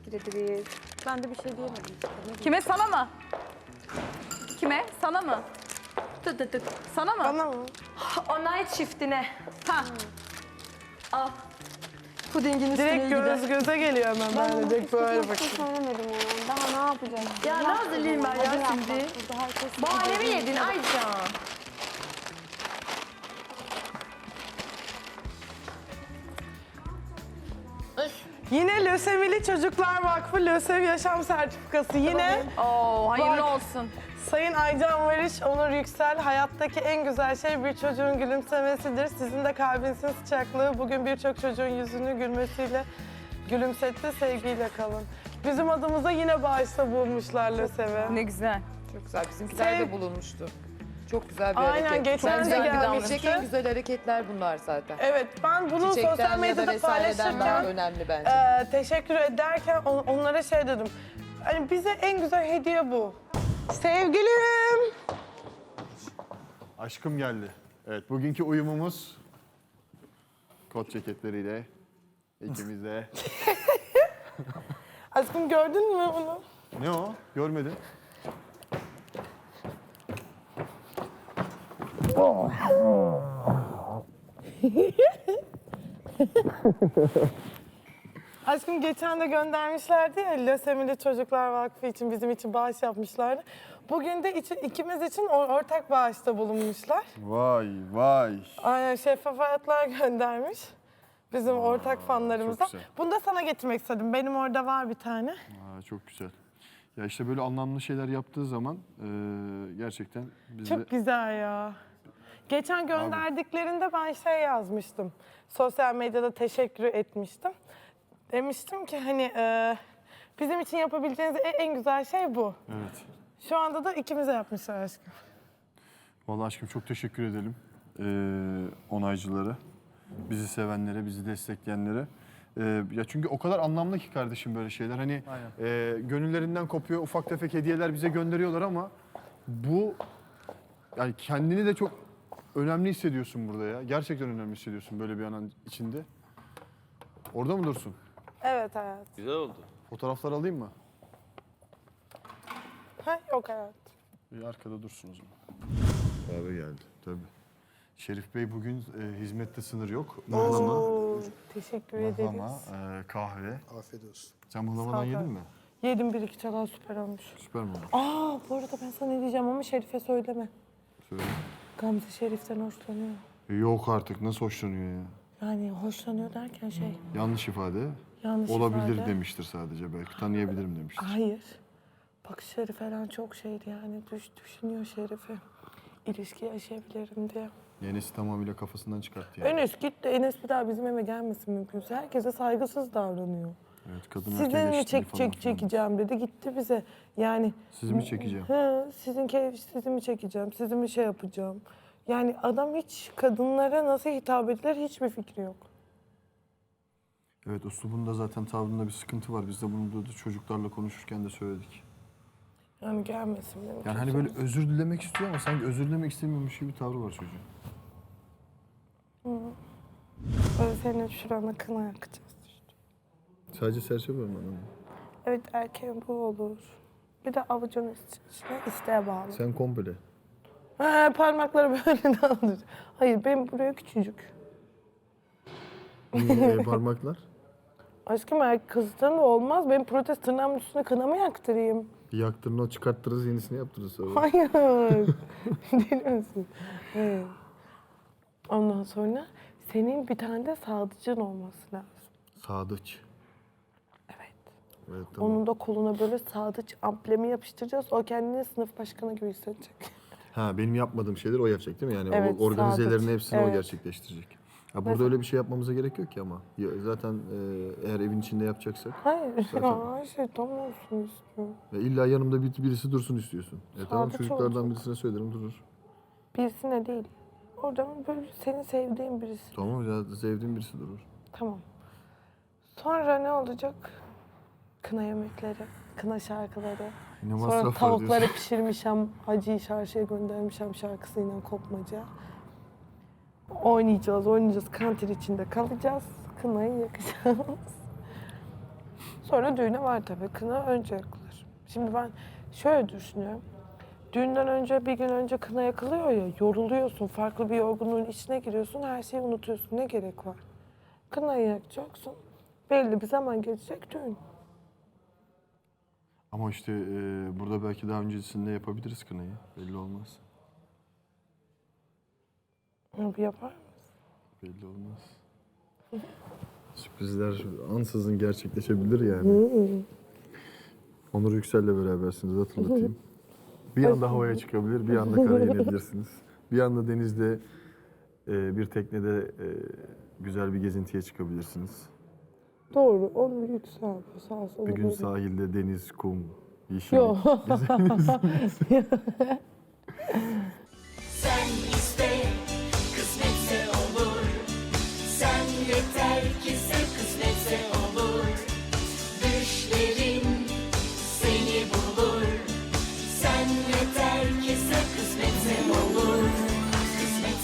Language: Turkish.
teşekkür ederiz. Ben de bir şey diyemedim. Kime, sana mı? Kime? Sana mı? Sana mı? Bana mı? Onay çiftine. Ha. Al. Pudingin üstüne Direkt göz göze geliyor hemen Ben böyle. Direkt böyle hiç bakayım. söylemedim ona. Daha ne yapacağım? Ya ne hazırlayayım ben ya şimdi? Bahane mi yedin Aycan? Yine Lösemili Çocuklar Vakfı Lösev Yaşam Sertifikası. Yine Oo, hayırlı Bak. olsun. Sayın Aycan Varış, Onur Yüksel, hayattaki en güzel şey bir çocuğun gülümsemesidir. Sizin de kalbinizin sıcaklığı bugün birçok çocuğun yüzünü gülmesiyle gülümsetti. Sevgiyle kalın. Bizim adımıza yine bağışta bulmuşlar Lösev'e. Ne güzel. Çok güzel. Bizimkiler Sev- de bulunmuştu. Çok güzel bir Aynen, hareket. geçen Bence de yapabilecek gelmişti. en güzel hareketler bunlar zaten. Evet, ben bunu sosyal Çiçekten ya da medyada vesaireden daha paylaşırken önemli bence. teşekkür ederken onlara şey dedim. Hani bize en güzel hediye bu. Sevgilim. Aşkım geldi. Evet, bugünkü uyumumuz kot ceketleriyle ikimiz de. Aşkım gördün mü onu? Ne o? Görmedim. Aşkım geçen de göndermişlerdi ya, Lösemili Çocuklar Vakfı için bizim için bağış yapmışlardı. Bugün de ikimiz için ortak bağışta bulunmuşlar. Vay vay. Aynen, Şeffaf Hayatlar göndermiş bizim ortak fanlarımıza. çok güzel. Bunu da sana getirmek istedim. Benim orada var bir tane. Aa, çok güzel. Ya işte böyle anlamlı şeyler yaptığı zaman gerçekten biz de... Çok güzel ya. Geçen gönderdiklerinde ben şey yazmıştım. Sosyal medyada teşekkür etmiştim. Demiştim ki hani bizim için yapabileceğiniz en güzel şey bu. Evet. Şu anda da ikimize yapmışlar aşkım. Vallahi aşkım çok teşekkür edelim onaycılara, bizi sevenlere, bizi destekleyenlere. Ya çünkü o kadar anlamlı ki kardeşim böyle şeyler. Hani gönüllerinden kopuyor, ufak tefek hediyeler bize gönderiyorlar ama bu yani kendini de çok önemli hissediyorsun burada ya. Gerçekten önemli hissediyorsun böyle bir anın içinde. Orada mı dursun? Evet hayat. Güzel oldu. Fotoğraflar alayım mı? Ha, yok hayat. İyi, arkada dursun o zaman. Abi geldi tabii. Şerif Bey bugün hizmette sınır yok. Mıhlama, Oo, teşekkür mıhlama, ederiz. kahve. Afiyet olsun. Sen Sağ mıhlamadan ol. yedin mi? Yedim, bir iki çalan süper olmuş. Süper mi oldu? Aa, bu arada ben sana ne diyeceğim ama Şerif'e söyleme. Söyle. Gamze Şerif'ten hoşlanıyor. Yok artık, nasıl hoşlanıyor ya? Yani hoşlanıyor derken şey, Yanlış ifade. yanlış Olabilir ifade. demiştir sadece, belki tanıyabilirim demiştir. Hayır. Bakışları falan çok şeydi yani. Düşünüyor Şerif'i. İlişki yaşayabilirim diye. Enes'i tamamıyla kafasından çıkarttı yani. Enes gitti. Enes bir daha bizim eve gelmesin mümkünse. Herkese saygısız davranıyor. Evet, kadın Sizin erkek mi eşitliği falan filan. çekeceğim dedi. Gitti bize. Yani Sizi mi çekeceğim? sizi mi çekeceğim? Sizi mi şey yapacağım? Yani adam hiç kadınlara nasıl hitap edilir hiçbir fikri yok. Evet, üslubunda zaten tavrında bir sıkıntı var. Biz de bunu da çocuklarla konuşurken de söyledik. Yani gelmesin benim. Yani hani böyle özür dilemek istiyor ama sanki özür dilemek istemiyormuş gibi bir tavrı var çocuğun. Böyle senin şurana kına yakacağız. Sadece serçe var mı? Evet, erkeğin bu olur. Bir de avucun içine isteğe bağlı. Sen komple. Parmakları böyle de alır. Hayır, benim buraya küçücük. Parmaklar. Aşkım, kızdan da olmaz. Benim protez tırnağımın üstüne kına mı yaktırayım? Yaktırın, o çıkarttırırız, yenisini yaptırırız sonra. Hayır. Deli misin? Evet. Ondan sonra senin bir tane de sadıcın olması lazım. Sadıç. Evet. Evet, tamam. Onun da koluna böyle sadıç amblemi yapıştıracağız. O kendini sınıf başkanı gibi hissedecek. Ha, benim yapmadığım şeyler o yapacak değil mi? Yani Evet, o organizelerin sadıç. hepsini o Evet. gerçekleştirecek. Ha, burada Mesela- öyle bir şey yapmamıza gerek yok ki ama. Ya, zaten eğer evin içinde yapacaksak. Hayır. Zaten- Ya, her şey tam olsun istiyorum. Ya illa yanımda birisi dursun istiyorsun. Tamam, Sadıç çocuklardan olacak. birisine söylerim, durur. Birisine değil. Oradan böyle senin sevdiğin birisi. Tamam ya, sevdiğim birisi durur. Tamam. Sonra ne olacak? Kına yemekleri, kına şarkıları. Yine Sonra masraf var tavukları diyorsun. pişirmişim, Hacı'yı çarşıya göndermişim şarkısıyla kopmaca. Oynayacağız, kantin içinde kalacağız, kınayı yakacağız. Sonra düğüne var tabii. Kına önce yakılır. Şimdi ben şöyle düşünüyorum. Düğünden önce bir gün önce kına yakılıyor ya, yoruluyorsun, farklı bir yorgunluğun içine giriyorsun, her şeyi unutuyorsun. Ne gerek var? Kınayı yakacaksın. Belli bir zaman geçecek düğün. Ama işte burada belki daha öncesinde yapabiliriz kınayı. Belli olmaz. Bir yapar. Belli olmaz. Sürprizler ansızın gerçekleşebilir yani. Onur Yüksel'le berabersiniz, hatırlatayım. Bir anda havaya çıkabilir, bir anda karaya inebilirsiniz. Bir anda denizde, bir teknede güzel bir gezintiye çıkabilirsiniz. Doğru, onu yüksel. Sağ olsun. Bir gün sahilde deniz, kum, yeşillik. Yok. Sen iste, kısmetse olur. Sen yeter ki